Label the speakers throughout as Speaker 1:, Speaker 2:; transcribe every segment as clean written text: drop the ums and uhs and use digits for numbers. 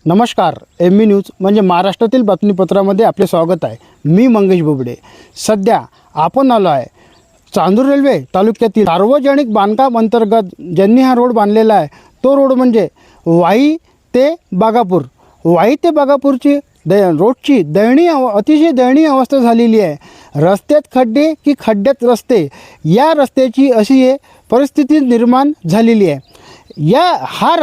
Speaker 1: नमस्कार, M news म्हणजे महाराष्ट्रातील बातमीपत्रामध्ये आपले स्वागत आहे। मी मंगेश बोबडे। सध्या आपण आलो आहे चांदूर रेल्वे तालुक्यातील सार्वजनिक बांधकाम अंतर्गत ज्यांनी हा रोड बांधलेला आहे तो रोड म्हणजे वाई ते बागापूर। वाई ते बागापूरची रोडची अतिशय दयनीय अवस्था झालेली आहे। रस्त्यात खड्डे की खड्ड्यात रस्ते, या रस्त्याची अशी परिस्थिती निर्माण झालेली आहे।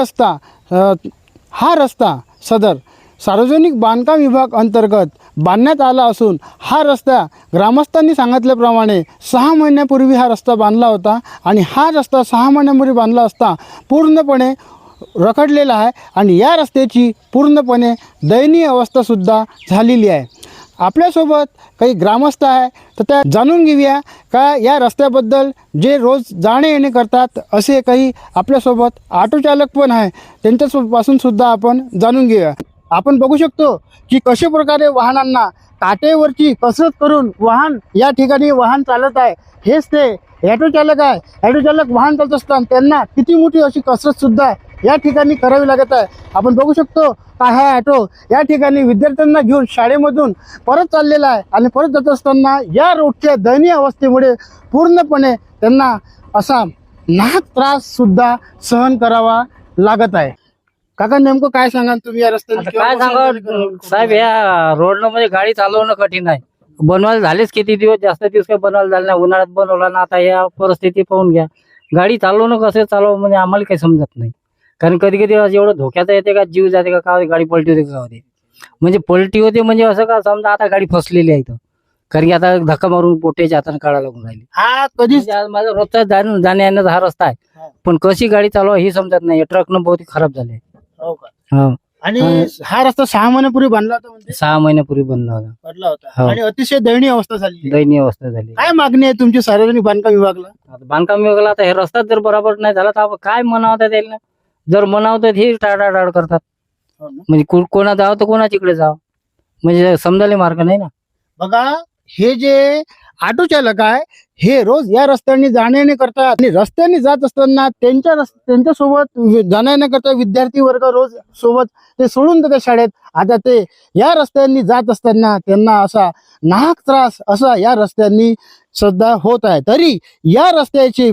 Speaker 1: हा रस्ता सदर सार्वजनिक बांधकाम विभाग अंतर्गत बांधण्यात आला असून हा रस्ता ग्रामस्थांनी सांगितल्याप्रमाणे 6 महिन्यापूर्वी हा रस्ता बांधला होता आणि हा रस्ता 6 महिन्यापूर्वी बांधला असता पूर्णपणे रखडलेला आहे आणि या रस्त्याची पूर्णपणे दयनीय अवस्थासुद्धा झालेली आहे। आपल्यासोबत काही ग्रामस्थ आहे तर त्या जाणून घेऊया का या रस्त्याबद्दल, जे रोज जाणे येणे करतात असे काही आपल्यासोबत ऑटो चालक पण आहे, त्यांच्यापासून सुद्धा आपण जाणून घेऊया। आपण बघू शकतो की कशा प्रकारे वाहनांना काटेवरची कसरत करून वाहन या ठिकाणी वाहन चालत आहे। हेच ते ऑटो चालक आहे। ऑटो चालक वाहन चालत असताना त्यांना किती मोठी अशी कसरत सुद्धा या ठिकाणी करावी लागत आहे। आपण बघू शकतो का हा ऑटो या ठिकाणी विद्यार्थ्यांना घेऊन शाळेमधून परत चाललेला आहे आणि परत जात असताना या रोडच्या दयनीय अवस्थेमुळे पूर्णपणे त्यांना असा नाहक त्रास सुद्धा सहन करावा लागत आहे। काका, नेमकं काय सांगाल तुम्ही या रस्त्याने?
Speaker 2: काय सांगा साहेब, या रोडनं म्हणजे गाडी चालवणं कठीण आहे। बनवायला झालेच किती दिवस, जास्त दिवस काही बनवायला झाले नाही। उन्हाळ्यात बनवला ना, आता या परिस्थिती पाहून घ्या। गाडी चालवणं कसं चालवं म्हणजे आम्हाला काही समजत नाही। कारण कधी कधी एवढं धोक्याचं येते का, जीव जाते का गाडी पलटी होते का होते, म्हणजे पलटी होते म्हणजे असं का समजा आता गाडी फसलेली आहे इथं, कारण की आता धक्का मारून पोटेच्या हाताने काढायला लागून राहिली।
Speaker 1: हा कधी
Speaker 2: माझा रोजचा जाण्या येण्याचा हा रस्ता आहे, पण कशी गाडी चालवा ही समजत नाही। ट्रकनं बहुत खराब झाले।
Speaker 1: हो का? आणि हा रस्ता 6 महिन्यापूर्वी बांधला होता, म्हणजे
Speaker 2: 6 महिन्यापूर्वी बनला होता
Speaker 1: आणि अतिशय दयनीय अवस्था झाली।
Speaker 2: दयनीय अवस्था झाली।
Speaker 1: काय मागणी आहे तुमची सार्वजनिक बांधकाम विभागाला?
Speaker 2: आता बांधकाम विभागाला आता हे रस्ता जर बरोबर नाही झाला तर आपण काय म्हणावं त्याला? जर म्हणावं तर हे टाळाटाळ करतात, म्हणजे कोणा जावं तर कोणाच्या इकडे जावं, म्हणजे समजायला मार्ग नाही ना।
Speaker 1: बघा, हे जे ऑटो चालक आहे हे रोज या रस्त्याने जाणे करतात आणि रस्त्याने जात असताना त्यांच्यासोबत जाणे करता विद्यार्थी वर्ग रोज सोबत ते सोडून देतात शाळेत। आता ते या रस्त्यांनी जात असताना त्यांना असा नाहक त्रास असा या रस्त्यांनी सुद्धा होत आहे। तरी या रस्त्याची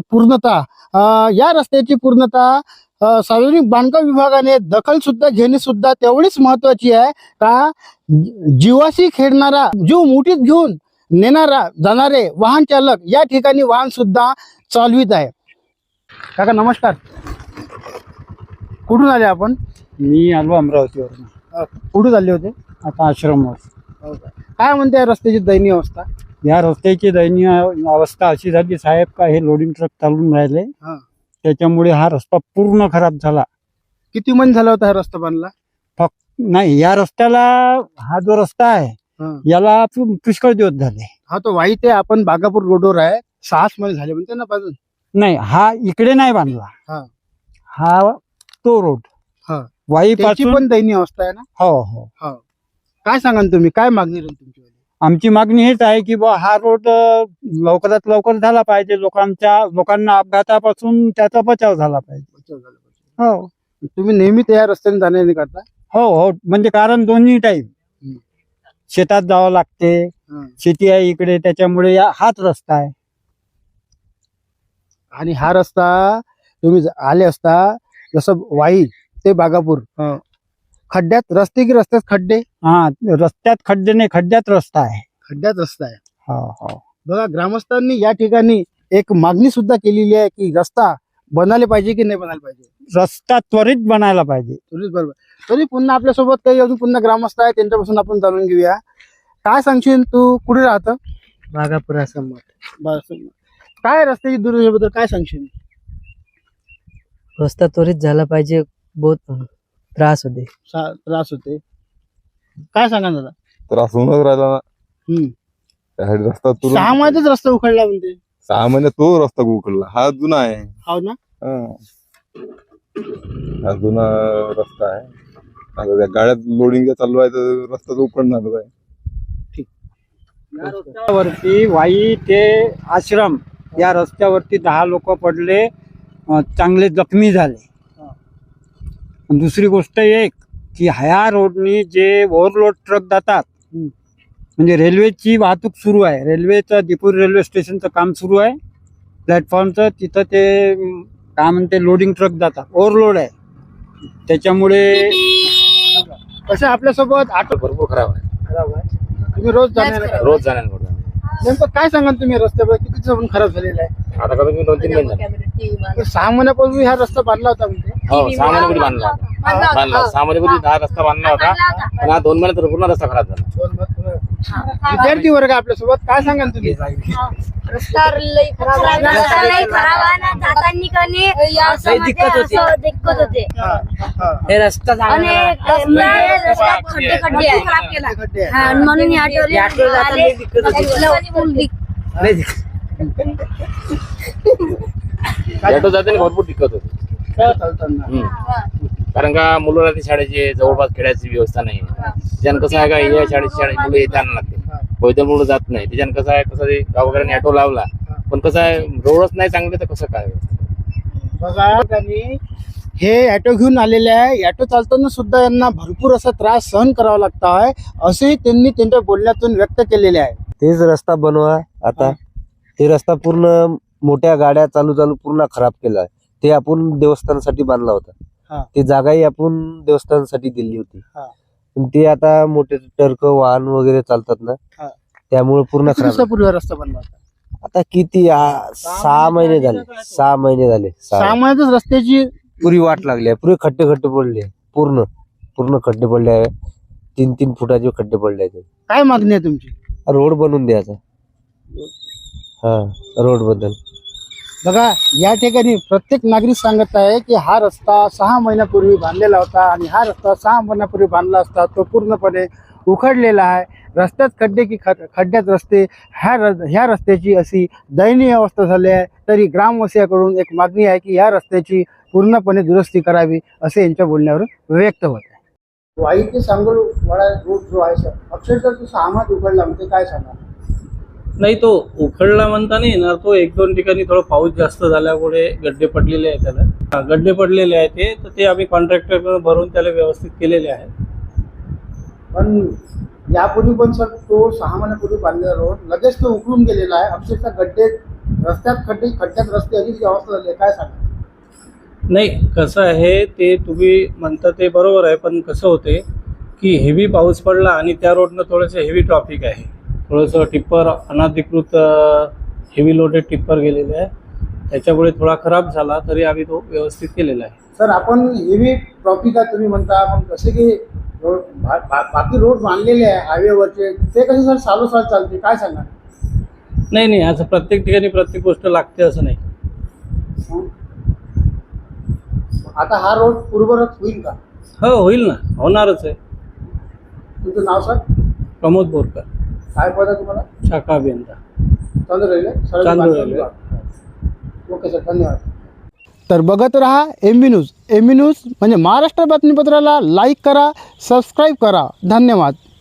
Speaker 1: पूर्णता सार्वजनिक बांधकाम विभागाने दखल सुद्धा घेणे सुद्धा तेवढीच महत्वाची आहे का जीवाशी खेळणारा, जीव मुठीत घेऊन जाणारे वाहन चालक या ठिकाणी वाहन सुद्धा चालवित आहे। काका नमस्कार, कुठून आले आपण?
Speaker 3: मी आलो अमरावतीवरून।
Speaker 1: कुठून आले होते?
Speaker 3: आता आश्रमवर।
Speaker 1: काय म्हणते या रस्त्याची दयनीय अवस्था?
Speaker 3: या रस्त्याची दयनीय अवस्था अशी झाली साहेब का हे लोडिंग ट्रक चालून राहिले, त्याच्यामुळे हा रस्ता पूर्ण खराब झाला।
Speaker 1: किती महिने झाला होता हा रस्ता बांधला?
Speaker 3: फक्त नाही, या रस्त्याला हा जो रस्ता आहे याला पुष्कळ दिवस झाले।
Speaker 1: हा तो वाई ते आपण बागापूर रोडवर आहे, 6 महिने झाले म्हणते ना बाजून?
Speaker 3: नाही, हा इकडे नाही बांधला, हा तो रोड वाई पासून
Speaker 1: पण दयनीय अवस्था आहे ना?
Speaker 3: हो हो।
Speaker 1: काय सांगा तुम्ही, काय मागणी राहील तुमची?
Speaker 3: आमची मागणी हेच आहे की हा रोड लवकरात लवकर झाला पाहिजे, लोकांना अपघातापासून त्याचा बचाव झाला पाहिजे। हो,
Speaker 1: तुम्ही नेहमी त्या रस्त्याने जाण्याने करता?
Speaker 3: हो हो, म्हणजे कारण दोन्ही टाइम शेतात जावं लागते, शेती आहे इकडे, त्याच्यामुळे हाच रस्ता आहे।
Speaker 1: आणि हा रस्ता तुम्ही आले असता जसं वाई ते बागापूर, खड्ड्यात रस्ते की रस्त्यात खड्डे?
Speaker 3: हा, रस्त्यात खड्डे नाही, खड्ड्यात रस्ता आहे।
Speaker 1: खड्ड्यात रस्ता आहे।
Speaker 3: हो हो।
Speaker 1: बघा, ग्रामस्थांनी या ठिकाणी एक मागणी सुद्धा केलेली आहे की रस्ता बनायला पाहिजे की नाही बनायला पाहिजे?
Speaker 3: रस्ता त्वरित बनायला पाहिजे।
Speaker 1: बरोबर। तरी पुन्हा आपल्यासोबत काही अजून पुन्हा ग्रामस्थ आहे, त्यांच्यापासून आपण जाणून घेऊया। काय सांगशील, तू कुठे राहतं?
Speaker 2: बागापुरासमोर।
Speaker 1: काय रस्त्याची दुर्दशेबद्दल काय सांगशील?
Speaker 2: रस्ता त्वरित झाला पाहिजे, बहुत त्रास
Speaker 1: होते। काय सांगा दादा?
Speaker 4: त्रास होऊनच राहिला ना। रस्ता
Speaker 1: 6 महिन्यातच रस्ता उखडला म्हणते?
Speaker 4: 6 महिन्यात तो रस्ता उखडला, हा जुना आहे।
Speaker 1: हो ना?
Speaker 4: हा जुना रस्ता आहे। आता त्या गाड्यात लोडिंग चालू आहे तर रस्ता उखडणार आहे।
Speaker 3: या रस्त्यावरती वाई ते आश्रम या रस्त्यावरती 10 लोक पडले, चांगले जखमी झाले। दुसरी गोष्ट एक की ह्या रोडनी जे ओव्हरलोड ट्रक जातात, म्हणजे रेल्वेची वाहतूक सुरू आहे, रेल्वेचं दिपूर रेल्वे स्टेशनचं काम सुरू आहे प्लॅटफॉर्मचं, तिथं ते काय म्हणते लोडिंग ट्रक जातात, ओव्हरलोड आहे. त्याच्यामुळे
Speaker 1: कसं आपल्यासोबत ऑटो
Speaker 5: भरपूर खराब आहे.
Speaker 1: खराब आहे. तुम्ही रोज जाणार
Speaker 5: रोज जाण्याला
Speaker 1: नेमकं काय सांगाल तुम्ही रस्त्यावर किती दिवसापासून खराब झालेला आहे?
Speaker 5: आता कमी कमी 2-3 महिने झाले.
Speaker 1: 6 महिन्यापूर्वी हा रस्ता बांधला होता म्हणजे
Speaker 5: हो 6 महिन्यापूर्वी बांधला होता. 6 महिन्यापूर्वी हा रस्ता बांधला होता, पण हा 2 महिन्यात पूर्ण रस्ता खराब झाला.
Speaker 1: विद्यार्थी वर्ग आपल्यासोबत काय सांगाल तुम्ही?
Speaker 6: रस्ता लई खराब आहे ना, जातानी कने दिक्कत होते.
Speaker 2: हे रस्ता
Speaker 6: आणि रस्ता खड्डे आहे. हा, म्हणून ऑटो
Speaker 5: ऑटो जाताना भरपूर दिक्कत होती. कारण का मुलं राहते शाळेचे, जवळपास खेळायची व्यवस्था नाही. त्याच्यानं कसं आहे का या शाळेची मुलं येते आणा लागते, पैदल मुलं जात नाही. त्याच्यानं कसं आहे, कसं गावकऱ्यांनी ऑटो लावला, पण कसं आहे रोडच नाही चांगले तर कसं काय.
Speaker 1: बघा त्यांनी हे ॲटो घेऊन आलेले आहे, ॲटो चालताना सुद्धा यांना भरपूर असा त्रास सहन करावा लागतो आहे, असेही त्यांनी त्यांच्या बोलण्यातून व्यक्त केलेले आहे.
Speaker 7: तेच रस्ता बनवा. आता ते रस्ता पूर्ण मोठ्या गाड्या चालू पूर्ण खराब केला आहे. ते आपण देवस्थानासाठी बांधला होता.
Speaker 1: हा.
Speaker 7: ती जागाही आपण देवस्थानासाठी दिली होती.
Speaker 1: हा.
Speaker 7: पण ते आता मोठे ट्रक वाहन वगैरे चालतात ना,
Speaker 1: हा.
Speaker 7: त्यामुळे पूर्ण
Speaker 1: किती
Speaker 7: खराब.
Speaker 1: दिवसापूर्वी हा रस्ता बनला होता?
Speaker 7: आता किती 6 महिने झाले. 6 महिने झाले.
Speaker 1: 6 महिन्यातच रस्त्याची
Speaker 7: पुरी वाट लागली आहे. पुरे खड्डे पडले, पूर्ण खड्डे पडले आहे. 3-3 फुटाचे खड्डे पडले आहेत.
Speaker 1: काय मागणी आहे तुमची?
Speaker 7: रोड बनवून द्यायचा. हा, रोड बद्दल
Speaker 1: बघा या ठिकाणी प्रत्येक नागरिक सांगत आहे की हा रस्ता 6 महिन्यापूर्वी बांधलेला होता आणि हा रस्ता 6 महिन्यापूर्वी बांधला असता तो पूर्णपणे उखडलेला आहे. रस्त्यात खड्डे की खड्ड्यात रस्ते, ह्या रस्त्याची अशी दयनीय अवस्था झाली आहे. तरी ग्रामवासियाकडून एक मागणी आहे की या रस्त्याची पूर्णपणे दुरुस्ती करावी, असे यांच्या बोलण्यावरून व्यक्त होत आहे. वाई ते सांगोलवाडा रोड जो आहे सर, अक्षरशः तो 6 महिन्यात उखडला म्हणजे काय सांगा?
Speaker 8: नाही, तो उखडला म्हणता नाही येणार. तो 1-2 ठिकाणी थोडा पाऊस जास्त झाल्यामुळे गड्डे पडलेले आहेत. त्याला गड्डे पडलेले आहेत ते आम्ही कॉन्ट्रॅक्टर भरून त्याला व्यवस्थित केलेले आहेत.
Speaker 1: पण यापूर्वी पण सर तो 6 महिन्यापूर्वी बांधलेला रोड लगेच तो उखडून गेलेला आहे. अक्षरशः गड्डे रस्त्यात खड्ड्यात रस्ते अशीच अवस्था झाली आहे. काय सांगा?
Speaker 8: नाही, कसं आहे ते तुम्ही म्हणता ते बरोबर आहे, पण कसं होते की हेवी पाऊस पडला आणि त्या रोडनं थोडंसं हेवी ट्रॉफिक आहे. थोडंसं टिप्पर अनधिकृत हेवी लोडेड टिप्पर गेलेले आहे, त्याच्यामुळे थोडा खराब झाला. तरी आम्ही तो व्यवस्थित केलेला आहे.
Speaker 1: सर आपण हेवी ट्रॉफिक आहे तुम्ही म्हणता, पण कसे की रोड बाकी रोड बांधलेले आहे हायवेवरचे, ते कसे सर सालोसाल चालते? काय सांगा?
Speaker 8: नाही, असं प्रत्येक ठिकाणी प्रत्येक गोष्ट लागते असं नाही.
Speaker 1: आता हा रोड पूर्वरच होईल का?
Speaker 8: हो, होईल ना, होणारच आहे.
Speaker 1: तुमचं नाव सर?
Speaker 8: प्रमोद बोरकर,
Speaker 1: काय पद आहे तुम्हाला?
Speaker 8: शाखा अभियंता,
Speaker 1: चालू राहिले.
Speaker 8: चालू राहिले.
Speaker 1: ओके सर, धन्यवाद. तर बघत रहा MB न्यूज. MB न्यूज म्हणजे महाराष्ट्र बातमीपत्राला लाईक करा, सबस्क्राईब करा. धन्यवाद.